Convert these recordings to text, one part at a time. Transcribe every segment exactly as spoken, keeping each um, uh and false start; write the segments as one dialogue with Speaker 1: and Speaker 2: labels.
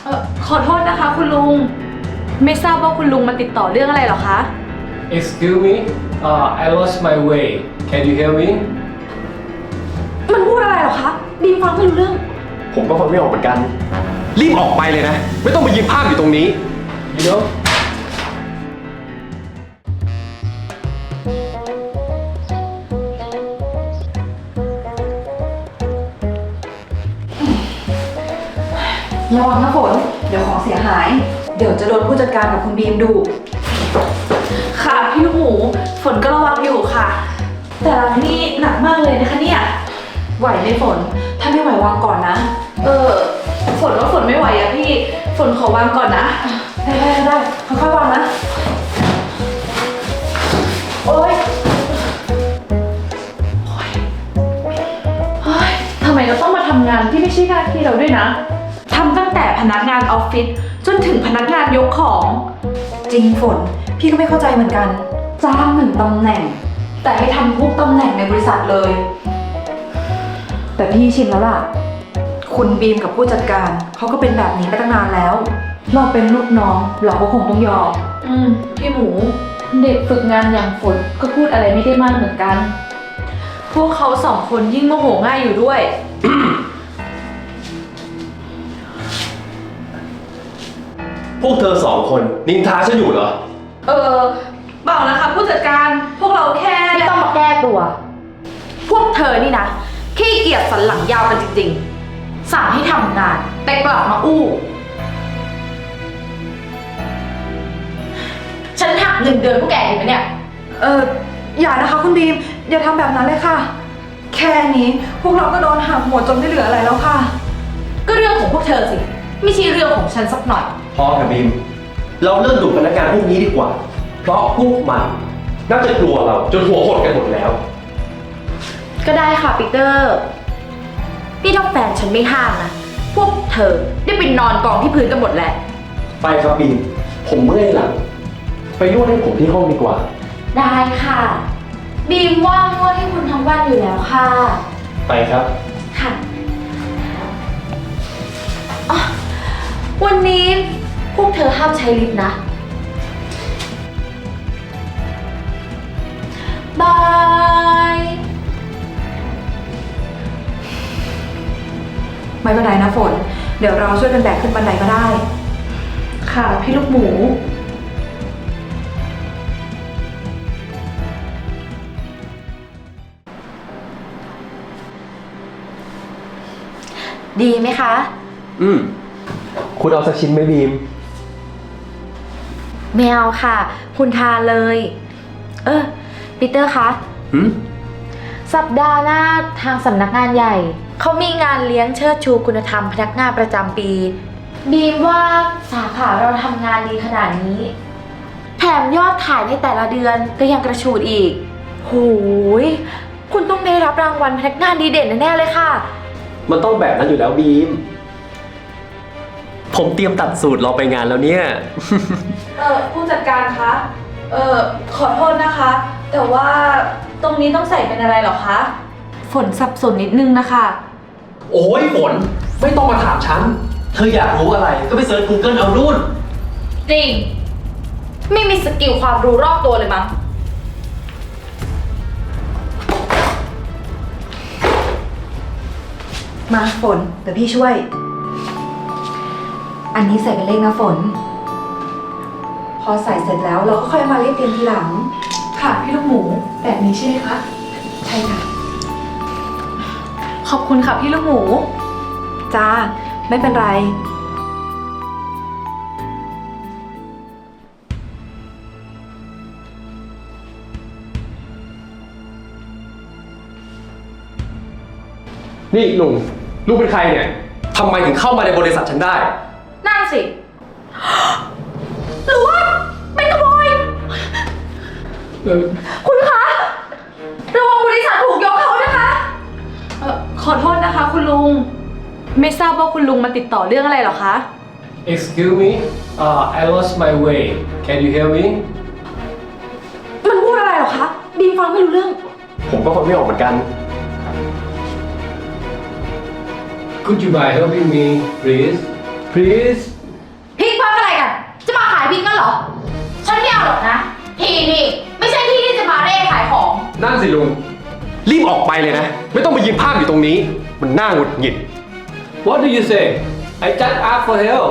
Speaker 1: เออขอโทษนะคะคุณลุงไม่ทราบว่าคุณลุงมาติดต่อเรื่องอะไรเหรอคะ
Speaker 2: Excuse me uh, I lost my way can you hear me
Speaker 1: มันพูดอะไรเหรอคะบีมฟังไม่รู้เรื่อง
Speaker 3: ผมก็ฟังไม่ออกเหมือนกัน รีบออกไปเลยนะ ไม่ต้องมายืนภาพอยู่ตรงนี้
Speaker 2: you know
Speaker 4: ระวังนะฝน เดี๋ยวของเสียหาย เดี๋ยวจะโดนผู้จัดการกับคุณบีมดู
Speaker 1: ค่ะพี่ลูกหมูฝนก็ระวังอยู่ค่ะ แต่รังนี่หนักมากเลยนะคะเนี่ย
Speaker 4: ไหวไหมฝน ถ้าไม่ไหววางก่อนนะ
Speaker 1: เออฝนว่าฝนไม่ไหวอะพี่ฝนขอวางก่อนนะ
Speaker 4: ได้ได้ได้ค่อยๆวางนะ โอ๊ย
Speaker 1: เฮ้ยทำไมเราต้องมาทำงานที่ไม่ใช่หน้าที่เราด้วยนะทำตั้งแต่พนักงานออฟฟิศจนถึงพนักงานยกของ
Speaker 4: จริงฝน พี่ก็ไม่เข้าใจเหมือนกัน จ้างหนึ่งตำแหน่ง แต่ให้ทำทุกตำแหน่งในบริษัทเลย แต่พี่ชินแล้วล่ะ คุณบีมกับผู้จัดการเขาก็เป็นแบบนี้มาตั้งนานแล้ว เราเป็นลูกน้องเราก็คงต้องยอม
Speaker 1: อืมพี่หมู เด็กฝึกงานอย่างฝนก็พูดอะไรไม่ได้มากเหมือนกัน พวกเขาสองคนยิ่งโมโหง่ายอยู่ด้วย
Speaker 3: พวกเธอสองคนนินทาฉันอยู่เหรอ
Speaker 1: เออเปล่านะคะผู้จัดการพวกเราแค่
Speaker 5: ไม่ต้องมาแก้ตัว พวกเธอนี่นะขี้เกียจสันหลังยาวกันจริงๆ สั่งให้ทำงาน แต่กลับมาอู้ ฉันหักเงินเดือนพวกแกอยู่ไหมเนี่ย
Speaker 4: เอออย่านะคะคุณบีม อย่าทำแบบนั้นเลยค่ะ แค่นี้พวกเราก็โดนหักหมดจนไม่เหลืออะไรแล้วค่ะ
Speaker 5: ก็เรื่องของพวกเธอสิ ไม่ใช่เรื่องของฉันสักหน่อย
Speaker 3: พอค่ะบีม เราเลิกดูพนักงานพวกนี้ดีกว่า เพราะพวกมันน่าจะกลัวเราจนหัวหดกันหมดแล้ว
Speaker 5: ก็ได้ค่ะปีเตอร์นี่ถ้าแฟนฉันไม่ห้ามนะ พวกเธอได้ไปนอนกองที่พื้นกันหมดแล้ว
Speaker 3: ไปครับบีม ผมเมื่อยหลัง ไปนวดให้ผมที่ห้องดีกว่า
Speaker 5: ได้ค่ะ บีมว่างนวดให้คุณทั้งวันอยู่แล้วค่ะ
Speaker 3: ไปครับ
Speaker 5: ค่ะอ๋อวันนี้พวกเธอห้ามใช้ลิฟต์นะ บาย
Speaker 4: ไม่เป็นไรนะฝน เดี๋ยวเราช่วยกันแบกขึ้นบันไดก็ได้
Speaker 1: ค่ะพี่ลูกหมู
Speaker 5: ดีไหมคะ
Speaker 3: อืม คุณเอาสักชิ้นไหมบีม
Speaker 5: ไม่เอาค่ะ คุณทานเลย เออปีเตอร์คะ
Speaker 3: หืม
Speaker 5: สัปดาห์หน้าทางสำนักงานใหญ่ เขามีงานเลี้ยงเชิดชูคุณธรรมพนักงานประจำปี บีมว่าสาขาเราทำงานดีขนาดนี้ แถมยอดขายในแต่ละเดือนก็ยังกระฉูดอีกโหยคุณต้องได้รับรางวัลพนักงานดีเด่นแน่ๆเลยค่ะ
Speaker 3: มันต้องแบบนั้นอยู่แล้วบีม ผมเตรียมตัดสูตรรอไปงานแล้วเนี่ย
Speaker 1: เออผู้จัดการคะเออขอโทษนะคะ แต่ว่าตรงนี้ต้องใส่เป็นอะไรเหรอคะฝนสับสนนิดนึงนะคะ
Speaker 3: โอ้ยฝน ไม่ต้องมาถามฉัน เธออยากรู้อะไรก็ไปเซิร์ช Google เอานู่น
Speaker 5: จริง ไม่มีสกิลความรู้รอบตัวเลยมั้ง
Speaker 4: มาฝน เดี๋ยวพี่ช่วย อันนี้ใส่เป็นเลขนะฝน พอใส่เสร็จแล้วเราก็ค่อยมาเรียบเรียงทีหลัง
Speaker 1: ค่ะพี่ลูกหมูแบบนี้ใช่ไหมคะ
Speaker 4: ใช่ค่ะ
Speaker 1: ขอบคุณค่ะพี่ลูกหมู
Speaker 4: จ้า ไม่เป็นไร
Speaker 3: นี่ลุง ลุงเป็นใครเนี่ย ทำไมถึงเข้ามาในบริษัทฉันได้
Speaker 5: นั่นสิ หรือว่าเป็นขโมย
Speaker 2: เออ
Speaker 5: คุณคะระวังบริษัทถูกยกเขานะคะ
Speaker 1: เออขอโทษนะคะคุณลุง ไม่ทราบว่าคุณลุงมาติดต่อเรื่องอะไรเหรอคะ
Speaker 2: excuse me uh, I lost my way can you hear me
Speaker 4: มันพูดอะไรเหรอคะ บีมฟังไม่รู้เรื่อง
Speaker 3: ผมก็ฟังไม่ออกเหมือนกัน
Speaker 2: could you by helping me please please
Speaker 5: พริกพักอะไรกัน จะมาขายพริกนั่นเหรอ ฉันไม่เอาหรอกนะ ที่นี่ไม่ใช่ที่ที่จะมาเร่ขายของ
Speaker 3: นั่นสิลุง รีบออกไปเลยนะ ไม่ต้องมายืนภาพอยู่ตรงนี้ มันน่าหงุดหงิด
Speaker 2: what do you say I just asked for help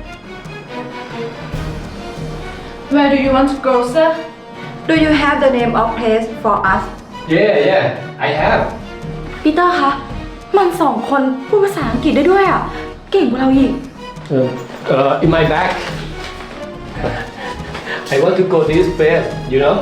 Speaker 1: Where do you want to go sir
Speaker 4: Do you have the name of place for us
Speaker 2: yeah yeah I have
Speaker 5: ปีเตอร์คะ มันสองคนพูดภาษาอังกฤษได้ด้วยอ่ะ เก่งกว่าเราอีก
Speaker 2: uh, uh, in my bag I want to go this place you know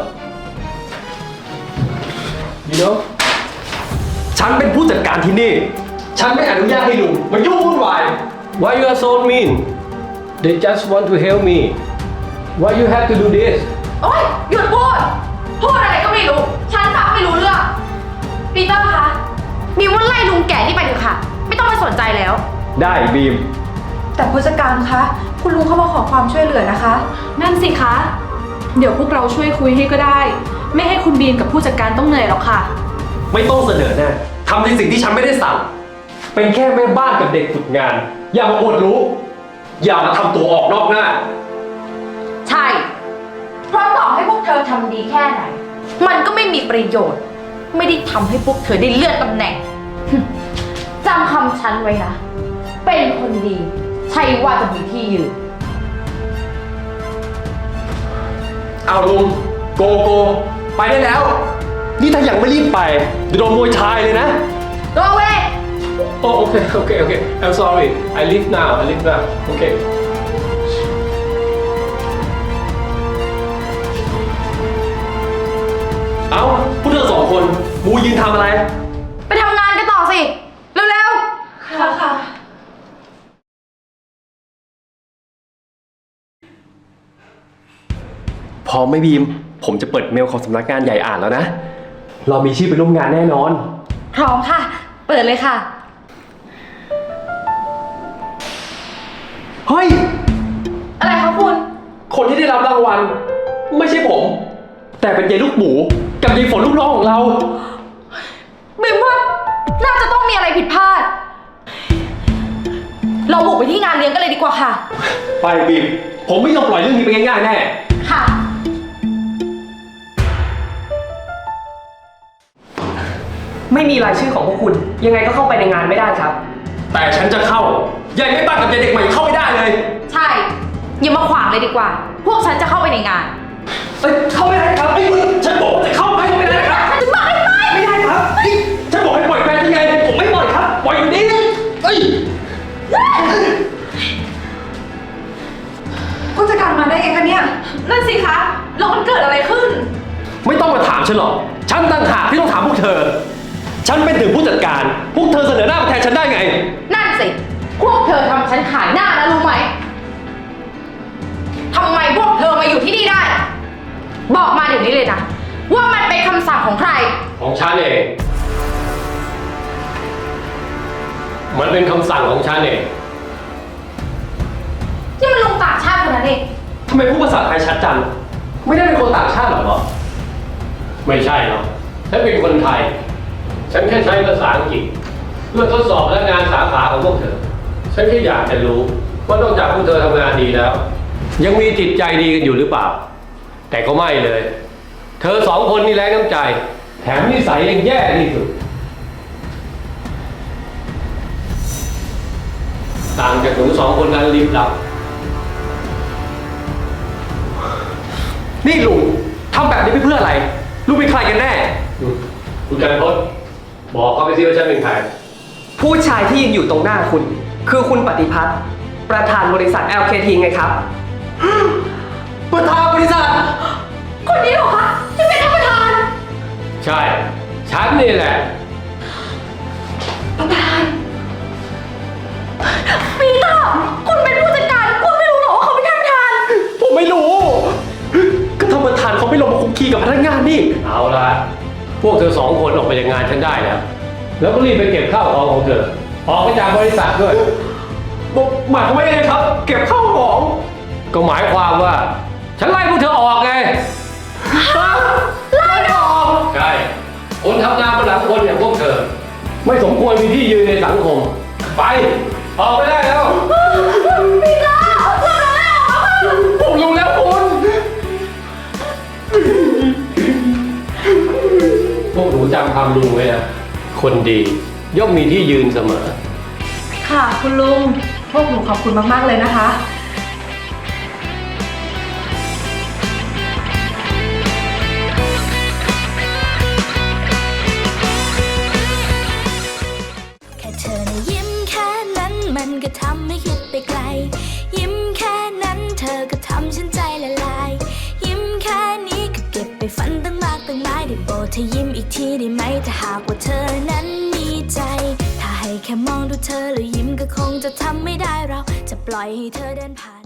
Speaker 2: you know
Speaker 3: ฉันเป็นผู้จัดการที่นี่ ฉันไม่อนุญาตให้ลุงมายุ่งวุ่นวาย
Speaker 2: why you are so mean they just want to help me why you have to do this
Speaker 5: โอ๊ย หยุดพูด พูดอะไรก็ไม่รู้ ฉันฟังไม่รู้เรื่อง ปีเตอร์คะมีว่าไล่ลุงแก่นี่ไปเถอะค่ะ ไม่ต้องไปสนใจแล้ว
Speaker 3: ได้บีม
Speaker 4: แต่ผู้จัดการคะ คุณลุงเขามาขอความช่วยเหลือนะคะ
Speaker 1: นั่นสิคะ เดี๋ยวพวกเราช่วยคุยให้ก็ได้ ไม่ให้คุณบีมกับผู้จัดการต้องเหนื่อยหรอกค่ะ
Speaker 3: ไม่ต้องเสนอหน้าทำในสิ่งที่ฉันไม่ได้สั่ง เป็นแค่แม่บ้านกับเด็กฝึกงาน อย่ามาอวดรู้ อย่ามาทำตัวออกนอกหน้า
Speaker 5: ใช่ เพราะต่อให้พวกเธอทำดีแค่ไหน มันก็ไม่มีประโยชน์ ไม่ได้ทำให้พวกเธอได้เลื่อนตำแหน่ง จำคำฉันไว้นะ เป็นคนดี ใช่ว่าจะมีที่ยืน
Speaker 3: เอาลุงโกโก ไปได้แล้ว นี่ถ้ายังไม่รีบไปเดี๋ยวโดนมวยชายเลยนะ
Speaker 5: Go away
Speaker 2: oh okay okay okay I'm sorry I leave now I leave now okay
Speaker 3: เอ้าพวกเธอสองคนมูยืนทำอะไร
Speaker 5: ไปทำงานกันต่อสิ เร็วๆ
Speaker 1: ค่ะค่ะ
Speaker 3: พอไม่บีม ผมจะเปิดเมลของสำนักงานใหญ่อ่านแล้วนะ เรามีชื่อไปร่วมงานแน่นอน
Speaker 5: พร้อมค่ะ เปิดเลยค่ะ
Speaker 3: เฮ้ย
Speaker 5: อะไรคะคุณ
Speaker 3: คนที่ได้รับรางวัล ไม่ใช่ผม แต่เป็นยายลูกหมู กับยายฝนลูกน้องของเรา
Speaker 5: บิมว่าน่าจะต้องมีอะไรผิดพลาด เราบุกไปที่งานเลี้ยงกันเลยดีกว่าค่ะ
Speaker 3: ไปบีม ผมไม่ยอมปล่อยเรื่องนี้ไปง่ายๆแน่
Speaker 5: ค่ะ
Speaker 6: ไม่มีรายชื่อของพวกคุณ ยังไงก็เข้าไปในงานไม่ได้ครับ
Speaker 3: แต่ฉันจะเข้า ยายไม่บ้านกับยายเด็กใหม่เข้าไม่ได้เลย
Speaker 5: ใช่ อย่ามาขวางเลยดีกว่า พวกฉันจะเข้าไปในงาน
Speaker 3: เอ้ยเข้าไม่ได้ครับไอ้คุณฉันบอกว่าจะเข้าไปไม่ได้ครับ
Speaker 5: ฉันจะบอกให้ไป
Speaker 3: ไม่ได้ครับเฮ้ยฉันบอกให้ปล่อยแฟนยังไง ผมไม่ปล่อยครับ ปล่อยอยู่นี่เอ้ย
Speaker 4: ผู้จัดการมาได้ไงคะเนี่ย
Speaker 1: นั่นสิคะแล้วมันเกิดอะไรขึ้น
Speaker 3: ไม่ต้องมาถามฉันหรอก ฉันต่างหากที่ต้องถามพวกเธอ ฉันเป็นถึงผู้จัดการ พวกเธอเสนอหน้ามาแทนฉันได้ไง
Speaker 5: นั่นสิ พวกเธอทำฉันขายหน้านะรู้ไหม ทำไมพวกเธอมาอยู่ที่นี่ได้ บอกมาเดี๋ยวนี้เลยนะ ว่ามันเป็นคำสั่งของใคร
Speaker 2: ของฉันเอง มันเป็นคำสั่งของฉันเอง
Speaker 5: ที่มันลงต่างชาติคนนั้นเอง
Speaker 3: ทำไมพูดภาษาไทยชัดจัง ไม่ได้เป็นคนต่างชาติหรอ
Speaker 2: ไม่ใช่หรอกฉันเป็นคนไทย ฉันแค่ใช้ภาษาอังกฤษเพื่อทดสอบพนักงานสาขาของพวกเธอ ฉันแค่อยากจะรู้ว่านอกจากพวกเธอทำงานดีแล้ว ยังมีจิตใจดีกันอยู่หรือเปล่า แต่ก็ไม่เลย เธอสองคนนี่แรงน้ำใจ แถมนิสัยยังแย่ที่สุด ต่างจากหนูสองคนนั้นลิบลับ
Speaker 3: นี่ลุงทำแบบนี้ไปเพื่ออะไร ลุงเป็นใครกันแน่
Speaker 2: คุณกันพศบอกเขาไปสิว่าฉันเป็นใคร
Speaker 6: ผู้ชายที่ยืนอยู่ตรงหน้าคุณ คือคุณปฏิพัฒน์ประธานบริษัท แอล เค ที ไงครับ
Speaker 3: ประธานบริษัท
Speaker 5: คนนี้เหรอคะที่เป็นท่านประธาน
Speaker 2: ใช่ ฉันนี่แหละ
Speaker 5: ประธานปีเตอร์คุณเป็นผู้จัดการ คุณไม่รู้เหรอว่าเขาเป็นท่านประธาน
Speaker 3: ผมไม่รู้ ก็ท่านประธานเขาไม่ลงมาคุกคีกับพนักงานนี่
Speaker 2: เอาละพวกเธอสองคนออกไปจากงานฉันได้แล้ว แล้วก็รีบไปเก็บข้าวของของเธอ ออกไปจากบริษัทด้วย
Speaker 3: หมายความว่ายังไงครับ เก็บข้าวของ
Speaker 2: ก็หมายความว่า ฉันไล่พวกเธอออกไง
Speaker 5: ไล่ออก
Speaker 2: ใช่ คนทำงานบนหลังคนอย่างพวกเธอ ไม่สมควรมีที่ยืนในสังคม ไป ออกไปได้แล้วำลุงไว้นะ คนดีย่อมมีที่ยืนเสมอ
Speaker 4: ค่ะ คุณลุง พวกหนูขอบคุณมาก ๆ เลยนะคะ
Speaker 7: แค่เธอนะยิ้มแค่นั้นมันก็ทำให้คิดไปไกล ยิ้มแค่นั้นเธอก็ทำฉันใจละลาย ยิ้มแค่นี้ก็เก็บไปฝันตั้งมากตั้งหลายได้โปรดเธอยิ้มอีกทีได้ไหมถ้าหากว่าเธอนั้นมีใจ ถ้าให้แค่มองดูเธอแล้วยิ้มก็คงจะทำไม่ได้เราจะปล่อยให้เธอเดินผ่าน